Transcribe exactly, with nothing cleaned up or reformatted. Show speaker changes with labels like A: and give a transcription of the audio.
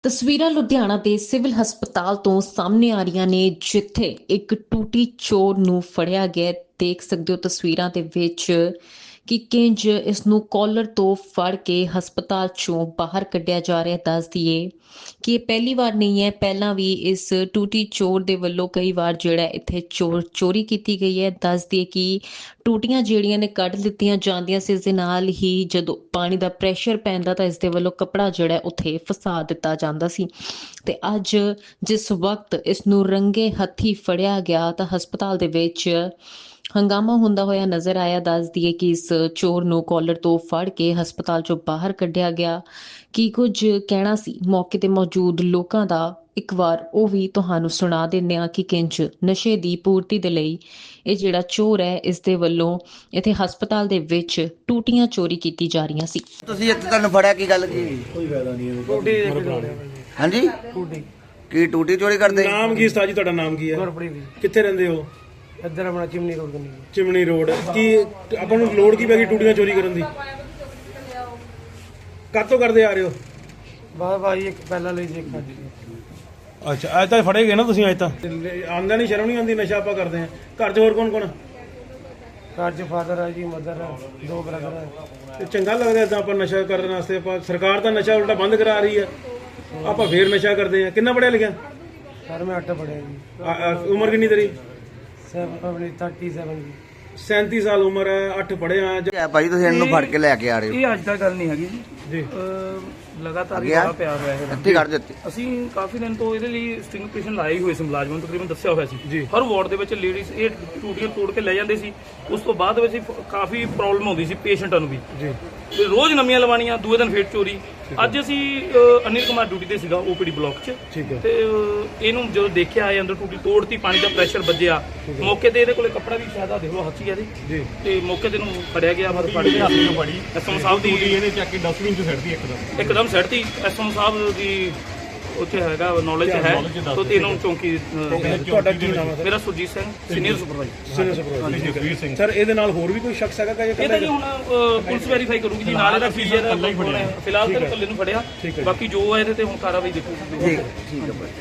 A: ਤਸਵੀਰਾਂ ਲੁਧਿਆਣਾ ਦੇ ਸਿਵਲ ਹਸਪਤਾਲ ਤੋਂ ਸਾਹਮਣੇ ਆ ਰਹੀਆਂ ਨੇ, ਜਿੱਥੇ ਇੱਕ ਟੂਟੀ ਚੋਰ ਨੂੰ ਫੜਿਆ ਗਿਆ। ਦੇਖ ਸਕਦੇ ਹੋ ਤਸਵੀਰਾਂ ਦੇ ਵਿੱਚ ਕਿ ਕਿੰਜ ਇਸ ਨੂੰ ਕਾਲਰ ਤੋਂ ਫੜ ਕੇ ਹਸਪਤਾਲ ਚੋਂ ਬਾਹਰ ਕੱਢਿਆ ਜਾ ਰਿਹਾ। ਦੱਸ ਦਈਏ ਕਿ ਇਹ ਪਹਿਲੀ ਵਾਰ ਨਹੀਂ ਹੈ, ਪਹਿਲਾਂ ਵੀ ਇਸ ਟੂਟੀ ਚੋਰ ਦੇ ਵੱਲੋਂ ਕਈ ਵਾਰ ਜਿਹੜਾ ਇੱਥੇ ਚੋਰ ਚੋਰੀ ਕੀਤੀ ਗਈ ਹੈ। ਦੱਸ ਦਈਏ ਕਿ ਟੂਟੀਆਂ ਜਿਹੜੀਆਂ ਨੇ ਕੱਢ ਦਿੱਤੀਆਂ ਜਾਂਦੀਆਂ ਸੀ, ਇਸ ਦੇ ਨਾਲ ਹੀ ਜਦੋਂ ਪਾਣੀ ਦਾ ਪ੍ਰੈਸ਼ਰ ਪੈਂਦਾ ਤਾਂ ਇਸ ਦੇ ਵੱਲੋਂ ਕੱਪੜਾ ਜਿਹੜਾ ਉੱਥੇ ਫਸਾ ਦਿੱਤਾ ਜਾਂਦਾ ਸੀ। ਤੇ ਅੱਜ ਜਿਸ ਵਕਤ ਇਸ ਨੂੰ ਰੰਗੇ ਹੱਥੀ ਫੜਿਆ ਗਿਆ ਤਾਂ ਹਸਪਤਾਲ ਦੇ ਵਿੱਚ ਹੰਗਾਮਾ ਹੁੰਦਾ ਹੋਇਆ ਨਜ਼ਰ ਆਇਆ। ਦੱਸ ਦਈਏ ਕਿ ਇਸ ਚੋਰ ਨੂੰ ਕਾਲਰ ਤੋਂ ਫੜ ਕੇ ਹਸਪਤਾਲ ਚੋਂ ਬਾਹਰ ਕੱਢਿਆ ਗਿਆ। ਕੀ ਕੁਝ ਕਹਿਣਾ ਸੀ ਮੌਕੇ ਤੇ ਮੌਜੂਦ ਲੋਕਾਂ ਦਾ, ਇੱਕ ਵਾਰ ਉਹ ਵੀ ਤੁਹਾਨੂੰ ਸੁਣਾ ਦਿੰਦੇ ਹਾਂ ਕਿ ਕਿੰਜ ਨਸ਼ੇ ਦੀ ਪੂਰਤੀ ਦੇ ਲਈ ਇਹ ਜਿਹੜਾ ਚੋਰ ਹੈ, ਇਸ ਦੇ ਵੱਲੋਂ ਇੱਥੇ ਹਸਪਤਾਲ ਦੇ ਵਿੱਚ ਟੂਟੀਆਂ ਚੋਰੀ ਕੀਤੀ ਜਾ ਰਹੀਆਂ ਸੀ।
B: ਤੁਸੀਂ ਇੱਥੇ ਤੁਹਾਨੂੰ ਫੜਿਆ ਕੀ ਗੱਲ ਕੀ?
C: ਕੋਈ ਫਾਇਦਾ ਨਹੀਂ ਇਹਨੂੰ।
D: ਟੂਟੀ
B: ਹਾਂਜੀ
D: ਟੂਟੀ
B: ਕੀ ਟੂਟੀ ਚੋਰੀ ਕਰਦੇ?
C: ਨਾਮ ਕੀ ਉਸਤਾਦ ਜੀ, ਤੁਹਾਡਾ ਨਾਮ ਕੀ ਹੈ?
D: ਗੁਰਪ੍ਰੀਤ ਜੀ,
C: ਕਿੱਥੇ ਰਹਿੰਦੇ ਹੋ?
D: ਇੱਧਰ ਆਪਣਾ ਚਿਮਨੀ ਰੋਡ ਕੰਨੀ।
C: Chimney road. ਕੀ ਆਪਾਂ ਨੂੰ ਲੋੜ ਕੀ ਪੈ ਗਈ ਟੂਟੀਆਂ ਚੋਰੀ ਕਰਨ ਦੀ? ਕਾਤੋਂ ਕਰਦੇ ਆ ਰਹੇ ਹੋ?
D: ਬਾਹਰ ਭਾਈ ਇੱਕ ਪਹਿਲਾਂ ਲਈ ਜੀ ਇੱਕ ਅੱਜ
C: ਅੱਛਾ, ਅੱਜ ਤਾਂ ਫੜੇ ਗਏ ਨਾ ਤੁਸੀਂ? ਅੱਜ ਤਾਂ ਆਂਦਾ ਨਹੀਂ, ਸ਼ਰਮ ਨਹੀਂ ਆਉਂਦੀ? ਨਸ਼ਾ ਆਪਾਂ ਕਰਦੇ ਆ। ਘਰ 'ਚ ਹੋਰ ਕੌਣ ਕੌਣ?
D: ਘਰ 'ਚ ਫਾਦਰ ਹੈ ਜੀ, ਮਦਰ ਹੈ, ਦੋ ਬ੍ਰਦਰ ਹੈ।
C: ਤੇ ਚੰਗਾ ਲੱਗਦਾ ਇਦਾਂ ਆਪਾਂ ਨਸ਼ਾ ਕਰਨ ਵਾਸਤੇ? ਆਪਾਂ ਸਰਕਾਰ ਤਾਂ ਨਸ਼ਾ ਉਲਟਾ ਬੰਦ ਕਰਾ ਰਹੀ ਹੈ, ਆਪਾਂ ਫੇਰ ਨਸ਼ਾ ਕਰਦੇ ਆ। ਕਿੰਨਾ ਪੜਿਆ ਲਿਖਿਆ?
D: ਸਰ ਮੈਂ ਅੱਠ ਪੜਿਆ ਜੀ।
C: ਆ- ਆ, ਉਮਰ ਕਿੰਨੀ ਤੇਰੀ?
D: ਸੈਵਨ ਆਪਣੀ ਥਰਟੀ ਸੈਵਨ ਜੀ।
C: ਸੈਂਤੀ ਸਾਲ ਉਮਰ ਹੈ, ਅੱਠ ਪੜਿਆ।
B: ਹੈ ਭਾਈ ਤੁਸੀਂ ਇਹਨੂੰ ਫੜ ਕੇ ਲੈ ਕੇ ਆ ਰਹੇ ਹੋ?
E: ਇਹ ਅੱਜ ਤੱਕ ਗੱਲ ਨਹੀਂ ਹੈਗੀ ਜੀ।
C: ਜੀ
E: ਅਹ ਲਗਾਤਾਰ
B: ਅੱਗੇ
E: ਹੀ
B: ਆ?
E: ਬੜਾ ਪਿਆਰ ਹੋਇਆ ਹੈ।
B: ਇੱਥੇ ਕੱਢ ਦਿੱਤੀ।
E: ਅਸੀਂ ਕਾਫੀ ਦਿਨ ਤੋਂ ਇਹਦੇ ਲਈ ਸਟਿੰਗ ਪੇਸ਼ੈਂਟ ਲਾਏ ਹੋਏ ਸੀ, ਮੁਲਾਜ਼ਮਾਂ ਨੂੰ ਤਕਰੀਬਨ ਦੱਸਿਆ ਹੋਇਆ
C: ਜੀ।
E: ਸੀ। ਹਰ ਵਾਰਡ ਦੇ ਵਿੱਚ ਲੇਡੀਜ਼ ਇਹ ਟੂਟੀਆਂ ਤੋੜ ਕੇ ਲੈ ਜਾਂਦੇ ਸੀ। ਉਸ ਤੋਂ ਬਾਅਦ ਵਿੱਚ ਕਾਫੀ ਪ੍ਰੋਬਲਮ ਆਉਂਦੀ ਸੀ ਪੇਸ਼ੈਂਟਾਂ ਨੂੰ ਵੀ।
C: ਜੀ
E: ਤੇ ਰੋਜ਼ ਨਵੀਆਂ ਲਵਾਉਣੀਆਂ, ਦੂਏ ਦਿਨ ਫੇਰ ਚੋਰੀ। ਅੱਜ ਅਸੀਂ ਅਹ, ਅਨਿਲ ਕੁਮਾਰ ਡਿਊਟੀ ਤੇ ਸੀਗਾ ਓਪੀਡੀ ਬਲਾਕ 'ਚ,
C: ਠੀਕ ਹੈ।
E: ਤੇ ਅਹ, ਇਹਨੂੰ ਜਦੋਂ ਦੇਖਿਆ ਇਹ ਅੰਦਰ ਟੂਟੀ ਤੋੜਤੀ, ਪਾਣੀ ਦਾ ਪ੍ਰੈਸ਼ਰ ਵੱਜਿਆ ਮੌਕੇ ਤੇ। ਇਹਦੇ ਕੋਲੇ ਕੱਪੜਾ ਵੀ ਸ਼ਾਇਦ ਆ ਦੇਖ ਲਓ, ਹੱਥੀ ਇਹਦੇ।
C: ਜੀ
E: ਤੇ ਮੌਕੇ ਤੇ ਨੂੰ ਫੜਿਆ ਗਿਆ। ਮਤਲਬ ਫੜ ਕੇ ਹੱਥ ਨੂੰ ਫੜੀ ਐਸਐਮ ਸਾਹਿਬ ਦੀ
C: ਇਹਨੇ ਚੱਕ ਕੇ ਡਸਟਬਿਨ 'ਚ ਸੱਟਦੀ ਇੱਕਦਮ।
E: ਇੱਕਦਮ ਸੜਤੀ। ਐਸਐਮ ਸਾਹਿਬ ਦੀ ਉੱਥੇ ਹੈਗਾ ਨੌਲੇਜ ਹੈ, ਤੋਂ ਤੈਨੂੰ ਚੌਂਕੀ ਅਹ,
C: ਤੁਹਾਡਾ ਕੀ ਨਾਮ ਹੈ?
E: ਮੇਰਾ Surjit Singh, senior supervisor.
C: Sunil supervisor. Sir ਇਹਦੇ ਨਾਲ ਹੋਰ ਵੀ ਕੋਈ ਸ਼ਖਸ ਹੈਗਾ ਕਿ
E: ਇਹ ਤਾਂ ਜੀ ਹੁਣ ਅਹ, ਪੁਲਿਸ ਵੈਰੀਫਾਈ ਕਰੂਗੀ ਜੀ। ਨਾਲ ਇਹਦਾ ਫੀਜ਼ਰ ਫਿਲਹਾਲ ਤਾਂ ਇਕੱਲੇ ਨੂੰ ਫੜਿਆ, ਬਾਕੀ ਜੋ ਹੈ ਇਹਦੇ ਤੇ ਹੁਣ ਕਾਰਵਾਈ ਦੇਖੂਗੀ।
B: ਠੀਕ ਠੀਕ ਹੈ ਭਾਈ।